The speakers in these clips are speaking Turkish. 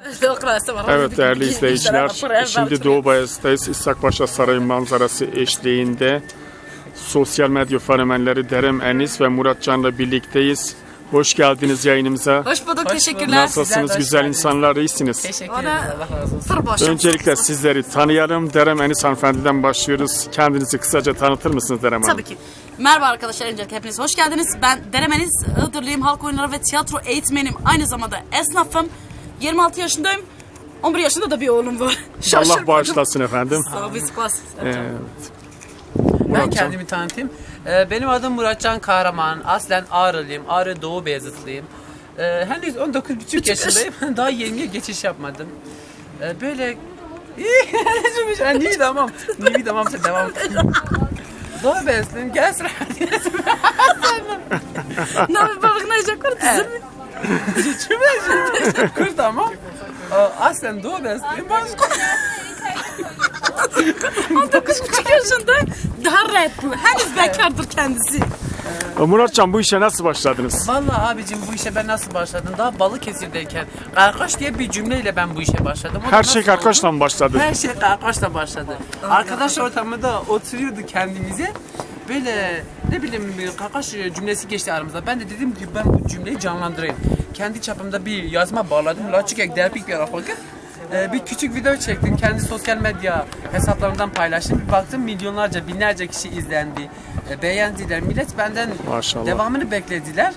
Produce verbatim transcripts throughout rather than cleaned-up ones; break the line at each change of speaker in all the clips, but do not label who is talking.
Evet değerli izleyiciler, şimdi Doğu Bayezid'deyiz. İshak Paşa Sarayı manzarası eşliğinde sosyal medya fenomenleri Derem Enis ve Murat Can'la birlikteyiz. Hoş geldiniz yayınımıza.
Hoş bulduk, Hoş teşekkürler.
Nasılsınız? Güzel insanlar, iyisiniz.
Teşekkür ederim. Allah razı olsun.
Öncelikle sizleri tanıyalım. Derem Enis hanımefendiden başlıyoruz. Kendinizi kısaca tanıtır mısınız Derem Hanım?
Tabii ki. Merhaba arkadaşlar, öncelikle hepiniz hoş geldiniz. Ben Derem Enis, Iğdırlıyım, halk oyunları ve tiyatro eğitmenim. Aynı zamanda esnafım. yirmi altı yaşındayım. on bir yaşında da bir oğlum var.
Allah bağışlasın efendim.
Sağ ol,
evet.
Ben kendimi tanıtayım. Benim adım Muratcan Kahraman. Aslen Ağrılıyım. Ağrı Doğu Beyazıtlıyım. Henüz on dokuz buçuk yaşındayım. Daha yirmiye geçiş yapmadım. Böyle... Niye tamam. Niye tamam sen devam. Doğu Beyazıtlıyım. Gel sıra.
Ne yapayım balık ne yiyecek var?
Çömecek. Kur tamam. Aslen Doğu Beyazıtlıyım.
on dokuz buçuk yaşında daha rahat bu. Henüz bekardır kendisi.
Muratcan, bu işe nasıl başladınız?
Vallahi abicim, bu işe ben nasıl başladım? Daha Balıkesir'deyken karkaş diye bir cümleyle ben bu işe başladım. O
Her şey karkaşla mı başladı?
Her şey karkaşla başladı. Arkadaş ortamında oturuyordu kendimize. Böyle ne bileyim bir karkaş cümlesi geçti aramızda. Ben de dedim ki ben bu cümleyi canlandırayım. Kendi çapımda bir yazma bağladım. Laçık ek derpik bir bakın. Ee, bir küçük video çektim. Kendi sosyal medya hesaplarımdan paylaştım. Bir baktım milyonlarca, binlerce kişi izlendi. E, beğendiler. Millet benden
Maşallah.
devamını beklediler.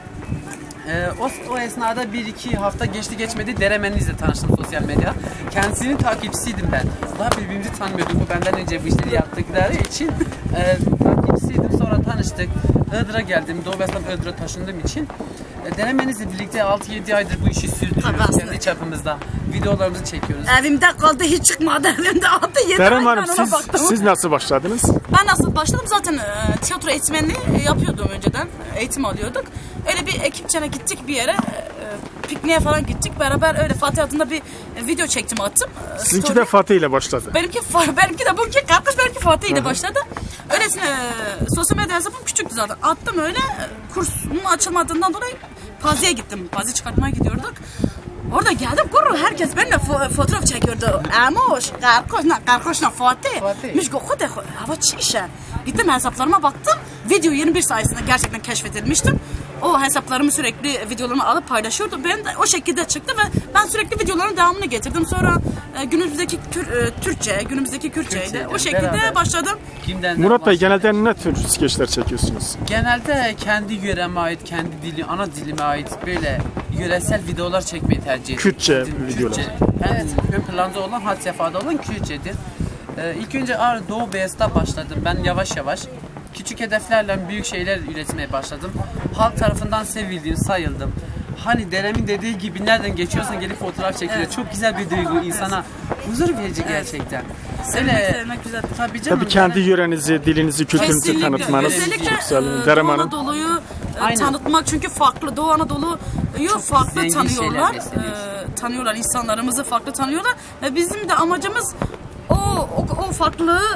Ee, o, o esnada bir iki hafta geçti geçmedi Derem Enis'le tanıştım sosyal medya. Kendisinin takipçisiydim ben. Daha birbirimizi tanımıyorduk. Bu benden önce bu işleri yaptıkları için e, takipçisiydim. Sonra tanıştık. Iğdır'a geldim. Doğu Beyazıt'tan Iğdır'a taşındığım için e, Derem Enis'le birlikte altı yedi aydır bu işi sürdürüyoruz. Kendi çapımızda videolarımızı çekiyoruz.
Evimde kaldı, hiç çıkmadı. Evimde altı yedi
Derem
ay
Hanım,
ben ona
siz,
baktım.
siz nasıl başladınız?
Ben nasıl başladım? Zaten e, tiyatro eğitmenliği yapıyordum önceden. Eğitim alıyorduk. Öyle bir ekipçene gittik bir yere. E, pikniğe falan gittik. Beraber öyle Fatih adında bir e, video çektim, attım. E,
Sizinki
story.
de Fatih ile başladı.
Benimki, benimki de bununki kardeş, benimki Fatih ile başladı. Öylesine e, sosyal medya hesabım küçüktü zaten. Attım öyle. E, kursumun açılmadığından dolayı Pazi'ye gittim. Pazi çıkartmaya gidiyorduk. Orada geldim, kurru herkes benimle fo fotoğraf çekiyordu. Amoş, karkoşla, karkoşla Fatih.
Fatih.
Mişko kude, hava çişe. Gittim hesaplarıma baktım. Video yirmi bir sayesinde gerçekten keşfedilmiştim. O hesaplarımı sürekli videolarımı alıp paylaşıyordu. Ben de o şekilde çıktı ve ben sürekli videoların devamını getirdim. Sonra e, günümüzdeki tür, e, Türkçe, günümüzdeki Kürtçe'yle o şekilde
beraber.
başladım.
Kimden
Murat Bey, genelde ne tür skeçler çekiyorsunuz?
Genelde kendi yöreme ait, kendi dili, ana dilime ait böyle yöresel videolar çekmeyi tercih ediyorum.
Kürtçe
Kürtçe
videolar.
Evet. Ön planda olan, had sefhada olan Kürtçedir. Ee, ilk önce Ağrı Doğu Beyazıt'ta başladım. Ben yavaş yavaş küçük hedeflerle büyük şeyler üretmeye başladım. Halk tarafından sevildim, sayıldım. Hani Derem'in dediği gibi nereden geçiyorsan gelip fotoğraf çekiliyor. Evet. Çok güzel bir duygu, insana huzur verici gerçekten.
Sevmek, Öyle, sevmek güzel.
Tabii canım.
Tabii kendi yörenizi, dilinizi, kültürünüzü tanıtmanız
Özellikle
çok güzel.
e,
Derem
Doğu
Hanım.
Anadolu'yu e, tanıtmak, çünkü farklı. Doğu Anadolu'yu farklı tanıyorlar. E, tanıyorlar, insanlarımızı farklı tanıyorlar. Ve bizim de amacımız o o, o farklılığı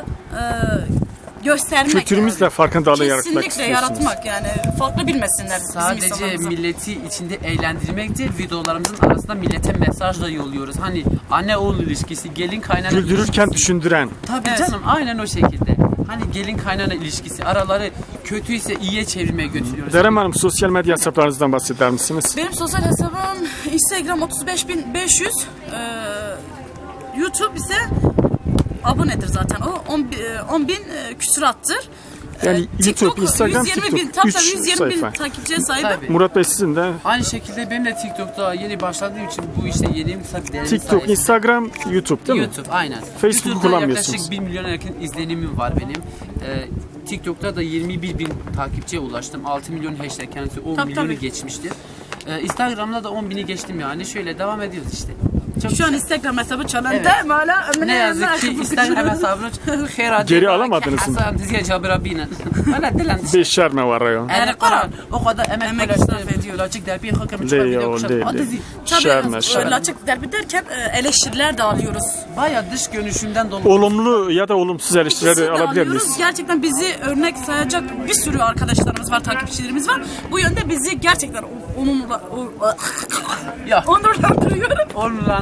e, göstermek.
Kültürümüzle yani. Farkındalığı yaratmak
Kesinlikle
istiyorsunuz.
yaratmak, yani farklı bilmesinler bizim
Sadece
insanlarımızı.
milleti içinde eğlendirmek değil, videolarımızın arasında millete mesaj da yolluyoruz. Hani anne oğul ilişkisi, gelin kaynana
Güldürürken
ilişkisi.
düşündüren.
Tabii
Evet.
canım, aynen o şekilde. Hani gelin kaynana ilişkisi, araları kötüyse iyiye çevirmeye götürüyoruz.
Derem Hanım, sosyal medya hesaplarınızdan bahseder misiniz?
Benim sosyal hesabım Instagram otuz beş bin beş yüz, e, YouTube ise abonedir zaten o on bin küsurattır.
Yani
Ee,
YouTube, Instagram,
yüz yirmi bin,
TikTok,
tam
üç
yüz yirmi bin
sayfa.
takipçiye sahibim.
Tabii.
Murat Bey, sizin de
Aynı şekilde benim de TikTok'ta yeni başladığım için bu işte yeniyim tabii Derem
TikTok,
sayesinde.
Instagram, YouTube değil mi?
YouTube, aynen.
Facebook
YouTube'da
kullanmıyorsunuz.
yaklaşık bir milyona yakın izlenimim var benim. Ee, TikTok'ta da yirmi bir bin takipçiye ulaştım. altı milyon hashtag, kendisi on
Tabii,
milyonu
tabii.
geçmiştir. Ee, Instagram'da da on bini geçtim yani. Şöyle devam ediyoruz işte. Çok
Şu an
güzel.
Instagram hesabı çalındı.
Evet.
Hala
Ne yazık ki Instagram hesabını
Geri alamadınız mı?
Hasan diye cabirabine. Hala dilen.
Beşer mi var ya?
Yani Kur'an o kadar emek
Emek
paylaştı.
israf ediyor.
Laçık derbi hakkım
Değil
çıkar
ya,
video
o
kuşak.
değil,
Hadi
değil.
zi-
Şerme,
Tabii
şerme.
açık derbi derken e, eleştiriler de alıyoruz.
Baya dış görünüşümden dolayı.
Olumlu ya da olumsuz eleştirileri
İkisini de
alabilir
alıyoruz.
miyiz?
Gerçekten bizi örnek sayacak bir sürü arkadaşlarımız var, takipçilerimiz var. Bu yönde bizi gerçekten onurla,
Ya.
onurlandırıyorum.
Onurlan,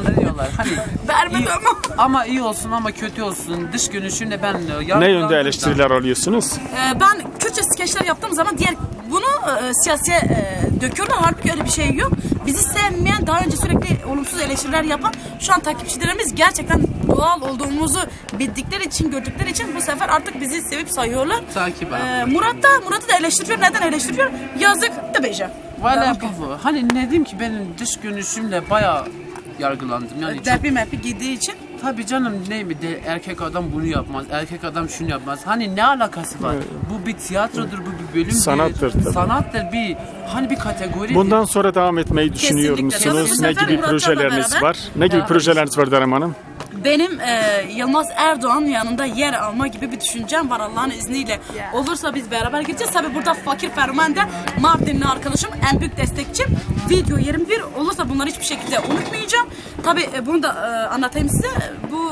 insanları diyorlar. Hani
Vermedi
iyi-
ama.
ama iyi olsun ama kötü olsun. Dış görünüşünle ben
Ne yönde eleştiriler alıyorsunuz?
Ee, ben Kürtçe skeçler yaptığım zaman diğer bunu e, siyasiye e, döküyorlar. Halbuki öyle bir şey yok. Bizi sevmeyen, daha önce sürekli olumsuz eleştiriler yapan şu an takipçilerimiz gerçekten doğal olduğumuzu bildikleri için, gördükleri için bu sefer artık bizi sevip sayıyorlar.
Takip abi.
Ee, Murat da Murat'ı da eleştiriyor. Neden eleştiriyor? Yazık da beca.
Valla bu. Hani ne diyeyim ki benim dış görünüşümle bayağı yargılandım. Yani çok,
Derbi mepi giydiği için.
tabii canım ne mi de erkek adam bunu yapmaz, erkek adam şunu yapmaz. Hani ne alakası var? Bu bir tiyatrodur, bu bir bölümdür.
Sanattır tabii.
Sanattır bir hani bir kategori.
Bundan sonra devam etmeyi düşünüyor
Kesinlikle.
musunuz?
Bu
Ne
sefer
gibi
Murat'la
projeleriniz
beraber-
var? Ne gibi
Ya,
projeleriniz var Derem Hanım?
Benim e, Yılmaz Erdoğan'ın yanında yer alma gibi bir düşüncem var Allah'ın izniyle. Olursa biz beraber gideceğiz. Tabii burada Fakir Ferman de Mardinli arkadaşım, en büyük destekçim. Video yirmi bir olursa bunları hiçbir şekilde unutmayacağım. Tabii e, bunu da e, anlatayım size. Bu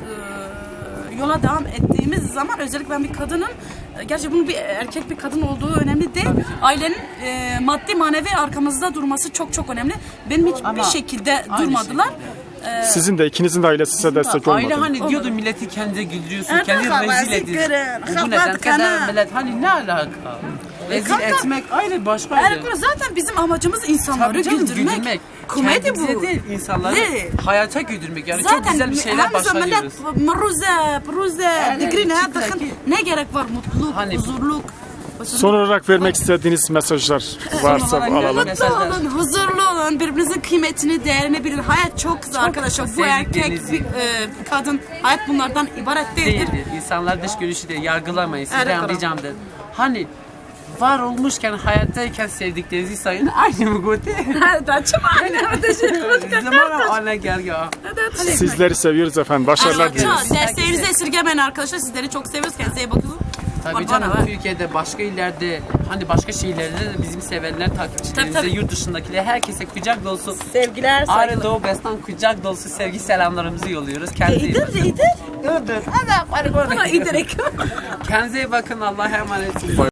e, yola devam ettiğimiz zaman özellikle ben bir kadının, e, gerçi bunun bir erkek bir kadın olduğu önemli değil. Ailenin e, maddi manevi arkamızda durması çok çok önemli. Benim hiçbir
Ama
şekilde
aynı
durmadılar.
şekilde.
Sizin de ikinizin de ailesi size destek olmadı.
Aile hani
Olmadı.
diyordu milleti kendine güldürüyorsun,
Evet,
kendini
havası
rezil ediyorsun.
kırın,
Bu neden
kapat
kadar
kana.
millet hani ne alaka? Rezil
kanka,
etmek ayrı başka ayrı.
Evet, zaten bizim amacımız insanları
Tabii canım,
güldürmek.
güldürmek.
Komedi
Kendimize
bu.
değil, insanları
Ne?
hayata güldürmek. Yani
Zaten
çok güzel bir şeyler
hem zaman
başarıyoruz.
millet mruze, pruze, digri ne
çıktı
bakın
ki.
ne gerek var mutluluk,
Hani-
huzurluk.
Son olarak vermek istediğiniz mesajlar varsa
olarak
alalım.
vermek-
Mutlu olun, huzurlu olun, birbirinizin kıymetini, değerini bilin. Hayat çok güzel arkadaşlar. Bu erkek,
sevdiklerinizi-
bir, e, kadın, hayat bunlardan ibaret değildir.
Değildir. İnsanlar dış görüşü de yargılamayın.
Evet,
Sizden
doğru.
ricam da. Hani var olmuşken, hayattayken sevdiklerinizi sayın. Aynı mı Gote?
Daçım anne.
Zaman ana gel ya.
Sizleri seviyoruz efendim. Başarılar
Çok
dileriz.
derslerinizi esirgemeyin arkadaşlar. Sizleri çok seviyoruz. Kendinize iyi bakın.
Tabii
Bana
canım
ver.
Türkiye'de, başka illerde, hani başka şehirlerde de bizim sevenler, takipçilerimize,
Tabii, tabii.
yurt dışındakiler, herkese kucak dolusu
Sevgiler,
Ağrı Doğu Bestan kucak dolusu sevgi selamlarımızı yolluyoruz. Kendinize iyi bakın.
iyidir.
Dur dur. Hadi, hadi,
Ama iyidir.
Kendinize iyi bakın. Allah'a emanet olun.